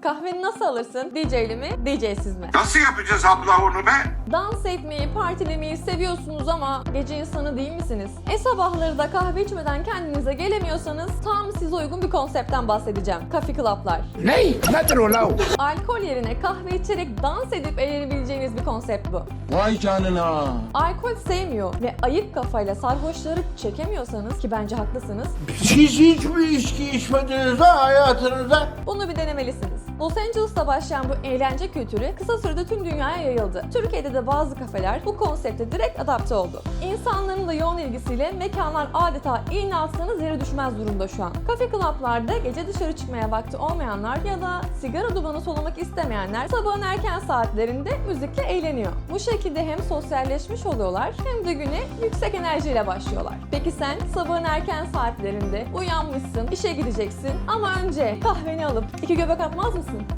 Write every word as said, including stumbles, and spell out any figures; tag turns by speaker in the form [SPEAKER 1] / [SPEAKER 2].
[SPEAKER 1] Kahveni nasıl alırsın? D J'li mi, D J'siz mi?
[SPEAKER 2] Nasıl yapacağız abla onu be?
[SPEAKER 1] Dans etmeyi, partilemeyi seviyorsunuz ama gece insanı değil misiniz? E sabahları da kahve içmeden kendinize gelemiyorsanız tam size uygun bir konseptten bahsedeceğim. Coffee Club'lar.
[SPEAKER 3] Ne? Nedir o la?
[SPEAKER 1] Alkol yerine kahve içerek dans edip eğlenebileceğiniz bir konsept bu.
[SPEAKER 3] Vay canına.
[SPEAKER 1] Alkol sevmiyor ve ayık kafayla sarhoşları çekemiyorsanız, ki bence haklısınız,
[SPEAKER 3] Siz hiç mi içki içmediniz ha hayatınızda?
[SPEAKER 1] bunu bir denemelisiniz. Los Angeles'ta başlayan bu eğlence kültürü kısa sürede tüm dünyaya yayıldı. Türkiye'de de bazı kafeler bu konsepte direkt adapte oldu. İnsanların da yoğun ilgisiyle mekanlar adeta iğne atsanız yere düşmez durumda şu an. Kafe club'larda gece dışarı çıkmaya vakti olmayanlar ya da sigara dumanı solumak istemeyenler sabahın erken saatlerinde müzikle eğleniyor. Bu şekilde hem sosyalleşmiş oluyorlar hem de güne yüksek enerjiyle başlıyorlar. Peki sen sabahın erken saatlerinde uyanmışsın, işe gideceksin ama önce kahveni alıp iki göbek atmaz mısın?